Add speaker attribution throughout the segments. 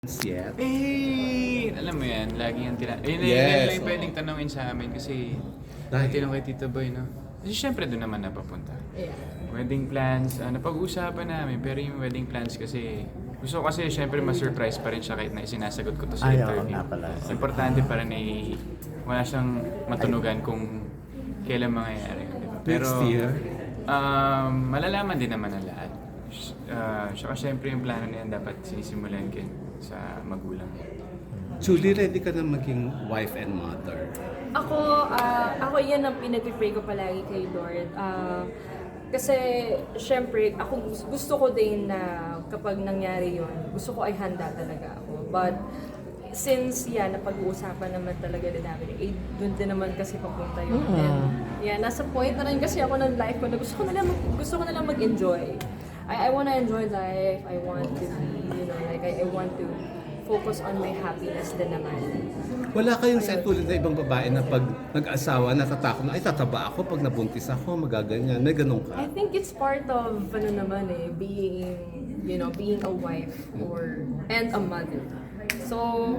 Speaker 1: Yet?
Speaker 2: Alam mo yan, lagi yung yun
Speaker 1: Yes,
Speaker 2: lang yung pwedeng tanongin sa amin kasi
Speaker 1: Dahil?
Speaker 2: tinanong kay Tito Boy, no? Kasi syempre doon naman napapunta.
Speaker 3: Yeah.
Speaker 2: Wedding plans, napag-uusapan namin, pero yung wedding plans kasi, gusto ko kasi syempre ma-surprise pa rin siya kahit na isinasagot ko to sa
Speaker 4: Ay, oo
Speaker 2: interview.
Speaker 4: nga pala.
Speaker 2: Importante para na wala siyang matunugan kung kailan mangyayari. Diba? Pero,
Speaker 1: Next year?
Speaker 2: malalaman din naman ang lahat. Saka syempre yung plano na yan dapat sinisimulan sa magulang.
Speaker 1: Julie, ready ka na maging wife and mother?
Speaker 3: Ako yan ang pinag-pray ko palagi kay Lord. Kasi, syempre, ako gusto ko din na kapag nangyari yon, gusto ko ay handa talaga ako. But, since napag-uusapan naman talaga din namin, doon din naman kasi papunta yun. And, nasa point na rin kasi ako ng life ko na gusto ko na lang mag-enjoy. I want to enjoy life. I want to be, I want to focus on my happiness din naman.
Speaker 1: Wala kayong sa tulad na ibang babae na pag nag-asawa, natatakot na, ay tataba ako, pag nabuntis ako, magaganyan. May ganun ka?
Speaker 3: I think it's part of, being a wife and a mother. So,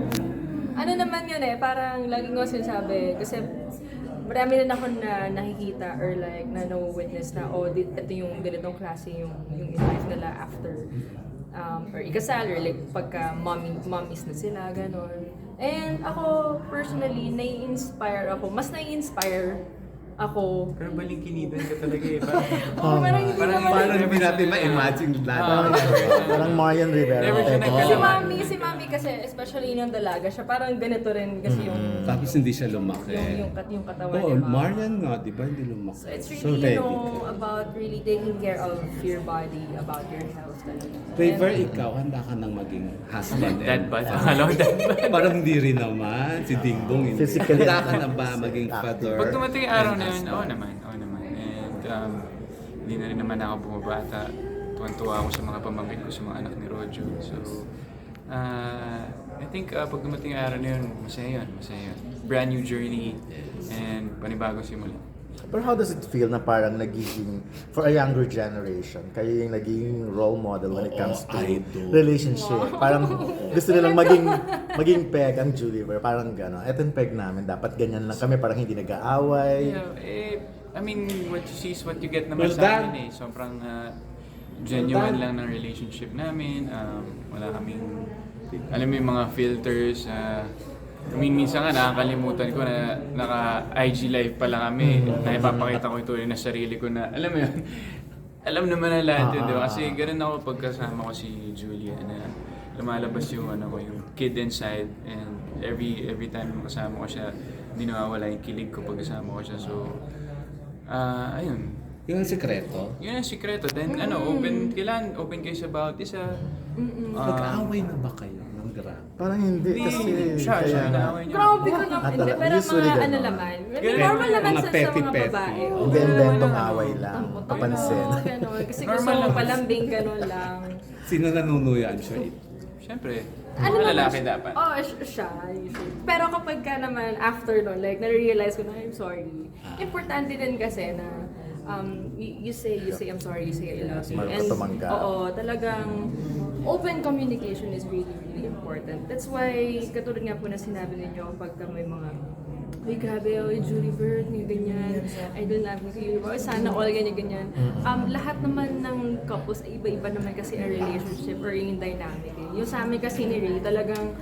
Speaker 3: naman yun parang laging ko sinasabi, kasi marami na ako na nakikita or na-witness na, ito yung ganitong klase yung life nila after or ikasal or pagka mommies na sila, ganon. And ako, personally, mas nai-inspire ako.
Speaker 2: Pero balingkinidan ka talaga
Speaker 3: Parang hindi naman.
Speaker 1: Paano hindi natin ma-imagine lahat?
Speaker 4: Parang Marian Rivera.
Speaker 2: Never siya
Speaker 3: Si Mami kasi, especially nung dalaga siya, parang ganito rin kasi yung
Speaker 1: Tapos hindi siya lumaki.
Speaker 3: yung katawan
Speaker 1: Oo,
Speaker 3: ni Mami.
Speaker 1: Marian nga, di ba? Hindi lumaki.
Speaker 3: So it's
Speaker 1: So
Speaker 3: really,
Speaker 1: ready ka.
Speaker 3: about really taking care of your body, about your health talaga.
Speaker 1: Favor, ikaw, handa ka nang maging husband
Speaker 2: Dad
Speaker 1: and
Speaker 2: bod. Alam mo, dad bod.
Speaker 1: Parang hindi rin naman. Si Dingbong hindi.
Speaker 4: Physically
Speaker 1: Handa ka na ba maging father?
Speaker 2: Pag dumating yung araw
Speaker 1: and
Speaker 2: na yun,
Speaker 1: husband?
Speaker 2: oo naman. And hindi na rin naman ako bumabata. Tuwan-tuwa ako sa mga pamangkin ko, sa mga anak ni Rojo. So, I think pag dumating yung araw na yun, masaya yun. Brand new journey and panibagong simula.
Speaker 4: Pero how does it feel na parang nagiging, for a younger generation, kayo yung naging role model when it comes to
Speaker 1: idol.
Speaker 4: relationship? Parang gusto nilang maging peg ang Julie, pero parang gano'n. Eto yung peg namin, dapat ganyan lang kami, parang hindi nag-aaway.
Speaker 2: I mean, what you see is what you get naman
Speaker 1: Well,
Speaker 2: sa amin Sobrang genuine lang ng relationship namin. Wala kaming, alam mo yung mga filters. Minsan nga nakakalimutan ko na naka-IG live pa lang kami. Naipapakita ko ito na sarili ko na, alam mo yun, alam naman na lahat yun, di ba? Kasi ganun ako pagkasama ko si Julia na lumalabas yung yung kid inside, and every time kasama ko siya, hindi nawawala yung kilig ko pag kasama ko siya. So, ayun.
Speaker 1: Yun ang sikreto.
Speaker 2: Yun ang sikreto. Then kailangan open kayo sa bawat isa.
Speaker 1: Nag-aaway na ba kayo ng grabe?
Speaker 4: Parang hindi, kasi
Speaker 2: Siya, naaway niya.
Speaker 3: Grabe ko naman. Hindi, pero
Speaker 4: Usually
Speaker 3: mga
Speaker 4: ganun.
Speaker 3: naman.
Speaker 2: Ganun.
Speaker 3: Normal naman
Speaker 1: Mga
Speaker 3: sa mga
Speaker 1: petty-petty.
Speaker 3: babae.
Speaker 4: Hindi inventong away lang, papansin.
Speaker 3: Ganon. Kasi gusto
Speaker 2: Normal
Speaker 3: mo
Speaker 2: lang.
Speaker 3: palambing, ganon lang.
Speaker 1: Sino nanunuyan siya?
Speaker 2: Siyempre,
Speaker 3: Ano
Speaker 2: mga lalaki
Speaker 3: naman siya?
Speaker 2: dapat.
Speaker 3: Siya, usually. Pero kapag ka naman, after nun, na-realize ko na, I'm sorry. Importante din kasi na, you say I'm sorry, you say I love you.
Speaker 4: Marunong ka tumanggap.
Speaker 3: Talagang open communication is really, really important. That's why, katulad nga po na sinabi ninyo, pagka may mga, ay grabe, Julie Bird, may ganyan, I don't love you, sana all ganyan. Lahat naman ng couples, ay iba-iba naman kasi ang relationship or yung dynamic. Yung sa amin kasi ni Ray, talagang,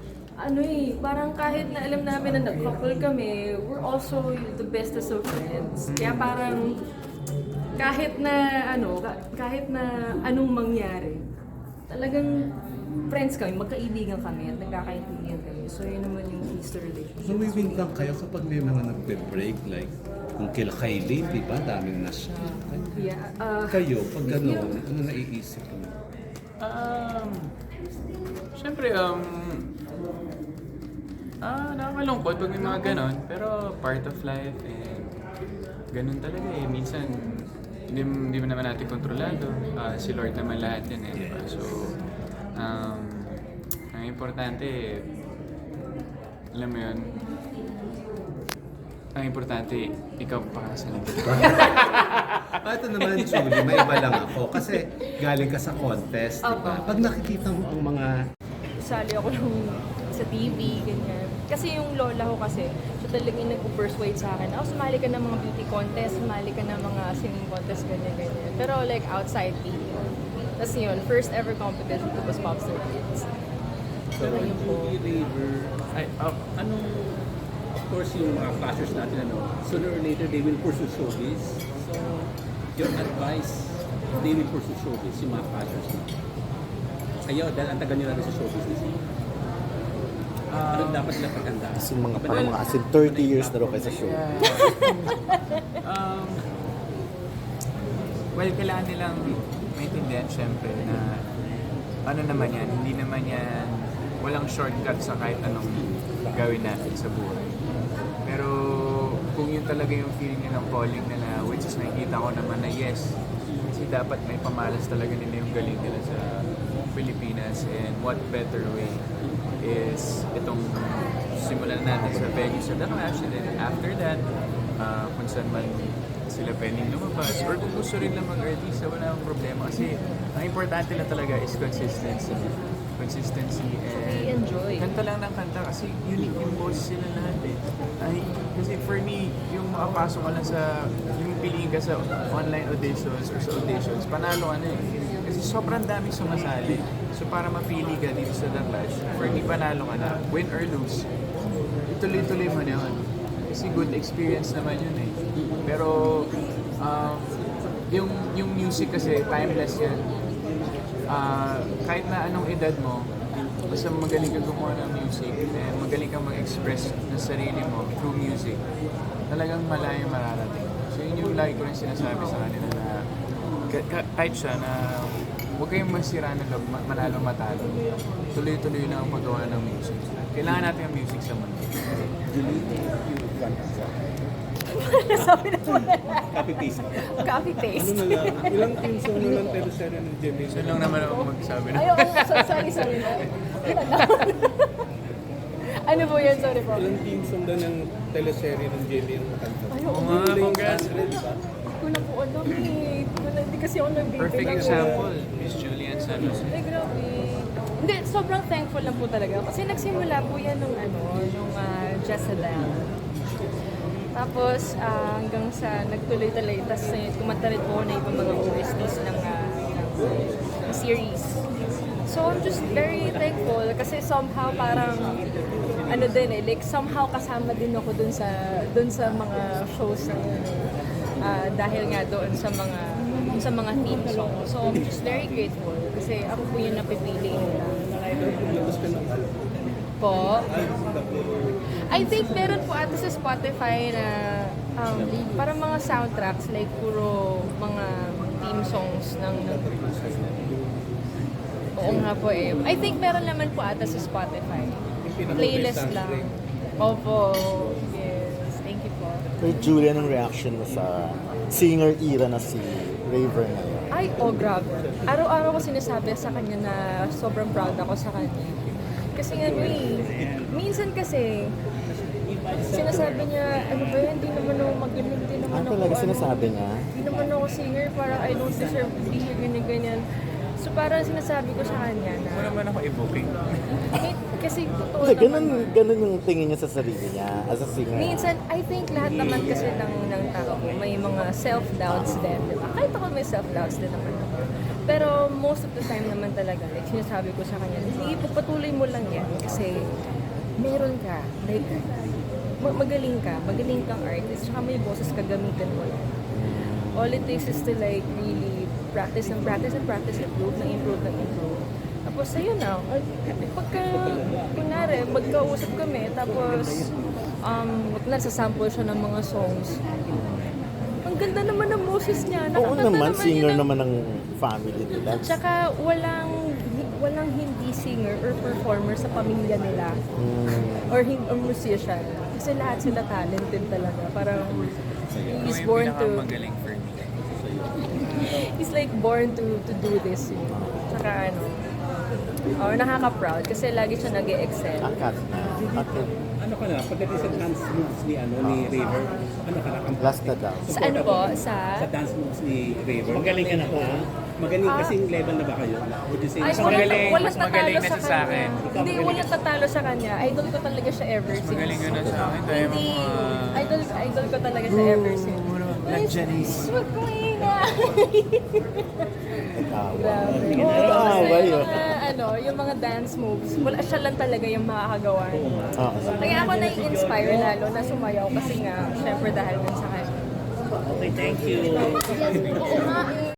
Speaker 3: parang kahit na alam namin na nag-couple kami, we're also the bestest of friends. Kaya parang, kahit na anong mangyari, talagang friends kami, magkaibigan kami at nagkakaintindihan kami. So yun naman yung keys to relationship.
Speaker 1: Lumiwin lang kayo kapag may mga nagbe-break, like kung kila Kylie, di ba? Daming nasya.
Speaker 3: Yeah.
Speaker 1: Kayo, pag gano'n, ano naiisip mo?
Speaker 2: Siyempre, nakakalungkot pag may mga ganon, pero part of life, and ganon talaga minsan, hindi mo naman natin kontrolado. Si Lord naman lahat yan diba? So, ang importante, alam mo yun, ang importante, ikaw pa sa
Speaker 1: Ito naman, Julie, may iba lang ako. Kasi galing ka sa contest, di ba?
Speaker 3: Opo.
Speaker 1: Pag nakikita mo ang mga
Speaker 3: isali ako sa TV, ganyan. Kasi yung lola ko kasi, siya talagang nag-persuade sa akin, sumali ka ng mga beauty contest, sumali ka ng mga singing contest, ganyan, ganyan. Pero like outside TV. Tapos yun, first ever competition ko was Popstar Kids.
Speaker 5: So,
Speaker 3: Ayun po.
Speaker 5: anong, of course, yung mga flashers natin, sooner or later, they will pursue showbiz. So, your advice, they will pursue showbiz, yung mga flashers natin. Kayo, dahil ang tagal nyo natin sa showbiz na siya. Ano dapat nila paghandaan?
Speaker 4: As in, parang mga as in 30 years na raw kayo sa show.
Speaker 2: Well, kailangan nilang maintindihan syempre na ano naman yan, hindi naman yan walang shortcut sa kahit anong gawin natin sa buhay. Pero kung yun talaga yung feeling nilang calling nila, which is nakikita ko naman na yes, kasi dapat may pamalas talaga nila yung galing nila sa Pilipinas, and what better way is itong simulan natin sa venue sa The Clash, and then after that, kung saan man sila pwedeng lumabas, or kung gusto rin lang mag-artista, wala akong problema kasi ang importante lang talaga is consistency and
Speaker 3: enjoy.
Speaker 2: kanta lang ng kanta kasi unique yung boses sila lahat eh. Kasi for me, yung makapasok ka lang sa yung piliin ka sa online auditions or sa auditions, panalo ka na eh. Kasi sobrang daming sumasali. So para mapili ka dito sa The Clash, for me panalo ka na. Win or lose, ituloy-tuloy mo na yun. Kasi good experience naman yun eh. Pero yung music kasi timeless yan. Kahit na anong edad mo, basta magaling ka gumawa ng music and magaling kang mag-express ng sarili mo through music, talagang malayo mararating. So yun yung lagi ko rin sinasabi sa kanila na kahit siya na huwag kayong masira ng loob, manalo matalo. Tuloy-tuloy na ang paggawa ng music. Kailangan natin ang music sa mundo.
Speaker 3: Sabi na po.
Speaker 5: Copy-paste.
Speaker 3: Copy-paste.
Speaker 5: Ano na lang? Ilang team song na lang teleserye ng Jimmy?
Speaker 2: So lang naman ako magsabi na.
Speaker 3: Ay, sorry. Ano po yun? Sorry po.
Speaker 5: Ilang team song na ng teleserye ng Jimmy ang makanta?
Speaker 3: Ay,
Speaker 2: Oo nga, congrats.
Speaker 3: Hindi ko na po alam eh. Hindi kasi ako nag-baby
Speaker 2: Perfect
Speaker 3: lang eh.
Speaker 2: example, Miss Julian San Jose.
Speaker 3: Ay, grabe. Hindi, sobrang thankful lang po talaga. Kasi nagsimula po yan nung Jezebel. Tapos hanggang sa nagtuloy-tuloy, tapos kumanta rin po na ibang mga OSTs ng series. So I'm just very thankful kasi somehow parang like somehow kasama din ako dun sa mga shows na yun. Dahil nga doon sa mga theme songs. So I'm just very grateful kasi ako po yung napipili nila.
Speaker 5: Labas ka ng album.
Speaker 3: Po. I think meron po ata sa Spotify na parang mga soundtracks like puro mga theme songs ng Oo nga po eh. I think meron naman po ata sa Spotify. Playlist lang. Opo. Yes. Thank you po.
Speaker 4: Kay Julian, ang reaction mo sa singer era na si Raver ngayon?
Speaker 3: Ay, grabe. Araw-araw ko sinasabi sa kanya na sobrang proud ako sa kanya. Kasi nga, minsan kasi, sinasabi niya, ano ba yun, hindi naman ako magaling, hindi naman ako,
Speaker 4: Talaga sinasabi niya?
Speaker 3: Hindi naman ako singer, parang I don't deserve to be here, ganyan. So parang sinasabi ko sa kanya na,
Speaker 2: Wala naman ako i-booking.
Speaker 3: kasi totoo
Speaker 4: Hindi,
Speaker 3: naman.
Speaker 4: ganun yung tingin niya sa sarili niya as a singer.
Speaker 3: Minsan, I think lahat naman kasi ng tao, may mga self-doubts din, di ba? Kahit ako may self-doubts din naman ako. Pero most of the time naman talaga, like sinasabi ko sa kanya, sige, pagpatuloy mo lang yan kasi meron ka, like, magaling kang artist, tsaka may boses ka, gamitin mo yan. All it takes is to like really practice, improve. Tapos ayun na, pagka, kunwari, magkausap kami, tapos, nagsasample siya ng mga songs. Ang ganda naman ng boses niya.
Speaker 4: Oo
Speaker 3: Nakakanta
Speaker 4: naman, singer
Speaker 3: yun.
Speaker 4: naman ng family nila.
Speaker 3: Tsaka walang hindi singer or performer sa pamilya nila. Or musician. Kasi lahat sila talented talaga. Parang he's
Speaker 2: Ako
Speaker 3: born
Speaker 2: yung
Speaker 3: to...
Speaker 2: pinakamagaling for me.
Speaker 3: He's like born to do this. Tsaka nakaka-proud kasi lagi siya nag-e-excel.
Speaker 4: Akat na. Okay.
Speaker 5: Ano ka na? Pagdating sa dance moves ni Raver, ano ka na?
Speaker 4: Last na daw.
Speaker 3: Sa ano po? Sa
Speaker 5: Sa dance moves ni Raver.
Speaker 6: Magaling ka na po.
Speaker 5: Magaling kasing level na ba kayo? Would you say?
Speaker 3: Ay,
Speaker 2: Mas magaling,
Speaker 3: walang
Speaker 2: mas magaling
Speaker 3: tatalo
Speaker 2: na siya sa akin.
Speaker 3: Hindi, walang tatalo sa kanya. Idol ko talaga siya ever since.
Speaker 2: Magaling ka na sa akin. Tayo
Speaker 3: Hindi,
Speaker 2: mga...
Speaker 3: idol ko talaga siya ever since.
Speaker 2: Like Janice.
Speaker 3: Huwag kong ingay. Grabe.
Speaker 4: Sige na,
Speaker 3: Oo,
Speaker 4: away,
Speaker 3: yung
Speaker 4: oh.
Speaker 3: mga, yung mga dance moves, wala siya lang talaga yung makakagawa. Kaya ako nai-inspire lalo na sumayaw kasi nga, syempre dahil din sa kanya.
Speaker 5: Okay, thank you.
Speaker 3: Yes, oo nga eh.